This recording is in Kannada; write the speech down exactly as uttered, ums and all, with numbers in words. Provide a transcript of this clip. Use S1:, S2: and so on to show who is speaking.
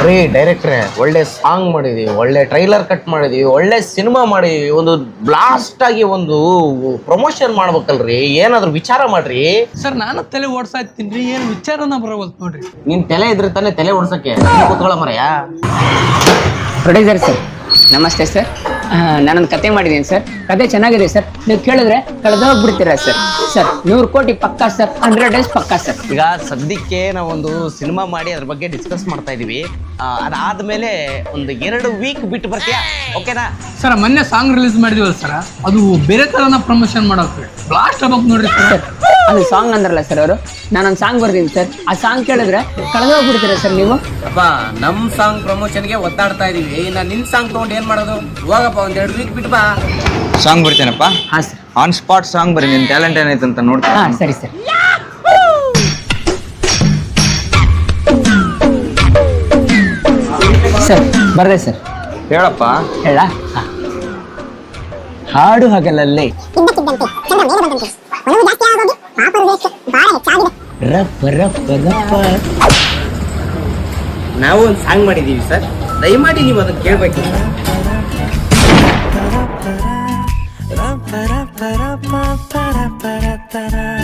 S1: ರೀ ಡೈರೆಕ್ಟ್ರೆ, ಒಳ್ಳೆ ಸಾಂಗ್ ಮಾಡಿದೀವಿ, ಒಳ್ಳೆ ಟ್ರೈಲರ್ ಕಟ್ ಮಾಡಿದೀವಿ, ಒಳ್ಳೆ ಸಿನಿಮಾ ಮಾಡಿದೀವಿ, ಒಂದು ಬ್ಲಾಸ್ಟ್ ಆಗಿ ಒಂದು ಪ್ರಮೋಷನ್ ಮಾಡ್ಬೇಕಲ್ರಿ, ಏನಾದ್ರು ವಿಚಾರ ಮಾಡ್ರಿ.
S2: ಸರ್ ನಾನು ತಲೆ ಓಡ್ಸಾ ಇರ್ತೀನಿ, ಏನು ವಿಚಾರನ ಬರವಲ್ತು ನೋಡ್ರಿ.
S1: ನಿನ್ ತಲೆ ಇದ್ರೆ ತಾನೇ ತಲೆ ಓಡ್ಸಕ್ಕೆ ಕೂತ್ಕೊಳ್ಳ ಮರಯ್ಯ.
S3: ಪ್ರೊಡ್ಯೂಸರ್ ಸರ್ ನಮಸ್ತೆ ಸರ್. ನಾನೊಂದು ಕತೆ ಮಾಡಿದ್ದೀನಿ ಸರ್. ಕತೆ ಚೆನ್ನಾಗಿದೆ ಸರ್, ನೀವು ಕೇಳಿದ್ರೆ ಕಳೆದೋಗ್ಬಿಡ್ತೀರಾ ಸರ್. ಸರ್ ನೂರು ಕೋಟಿ ಪಕ್ಕಾ ಸರ್, ಹಂಡ್ರೆಡ್ ಡೇಸ್ ಪಕ್ಕಾ ಸರ್.
S1: ಈಗ ಸದ್ಯಕ್ಕೆ ನಾವೊಂದು ಸಿನಿಮಾ ಮಾಡಿ ಅದ್ರ ಬಗ್ಗೆ ಡಿಸ್ಕಸ್ ಮಾಡ್ತಾ ಇದೀವಿ. ಅದಾದ್ಮೇಲೆ ಒಂದು ಎರಡು ವೀಕ್ ಬಿಟ್ಟು ಬರ್ತೀಯಾ? ಓಕೆನಾ
S2: ಸರ್? ಮೊನ್ನೆ ಸಾಂಗ್ ರಿಲೀಸ್ ಮಾಡಿದೀವಲ್ಲ ಸರ್, ಅದು ಬೇರೆ ತರನ ಪ್ರಮೋಷನ್ ಮಾಡೋಕೆ ಬ್ಲಾಸ್ಟ್ ಆಗ್ಬೇಕು ನೋಡ್ರಿ ಸರ್.
S3: ಅದು ಸಾಂಗ್ ಅಂದ್ರಲ್ಲ ಸರ್ ಅವರು, ನಾನೊಂದು ಸಾಂಗ್ ಬರ್ತೀನಿ ಸರ್. ಆ ಸಾಂಗ್ ಕೇಳಿದ್ರೆ ಕಳೆದೋಗ್ಬಿಡ್ತೀರಾ ಸರ್ ನೀವು?
S1: ಅಪ್ಪ ನಮ್ ಸಾಂಗ್ ಪ್ರಮೋಷನ್ಗೆ ಒದ್ದಾಡ್ತಾ ಇದೀವಿ, ಇನ್ನ ನಿನ್ ಸಾಂಗ್ ತಗೊಂಡು ಏನ್ ಮಾಡೋದು? ಹೋಗಪ್ಪ ಒಂದ್ ಎರಡು ವೀಕ್ ಬಿಟ್ಟು ಬಾ.
S4: ಸಾಂಗ್ ಬರ್ತೀನಪ್ಪ.
S3: ಹಾ ಸರ್,
S4: ಆನ್ ಸ್ಪಾಟ್ ಸಾಂಗ್ ಬರೀ. ನಿನ್ ಟ್ಯಾಲೆಂಟ್ ಏನೈತೆ ಅಂತ ನೋಡ್ತೀನಿ.
S3: ಹಾ ಸರಿ ಸರ್. ಸರ್ ಬರ್ದೆ ಸರ್.
S4: ಹೇಳಪ್ಪ.
S3: ಹೇಳ ಹಾಡು ಹಗಲಲ್ಲೇ ರಪ್ಪ ರಪ್ಪ ರಪ್ಪ.
S1: ನಾವು ಒಂದು ಸಾಂಗ್ ಮಾಡಿದೀವಿ ಸರ್, ದಯಮಾಡಿ ನೀವು ಅದನ್ನ ಕೇಳ್ಬೇಕು.
S5: Para para para para para para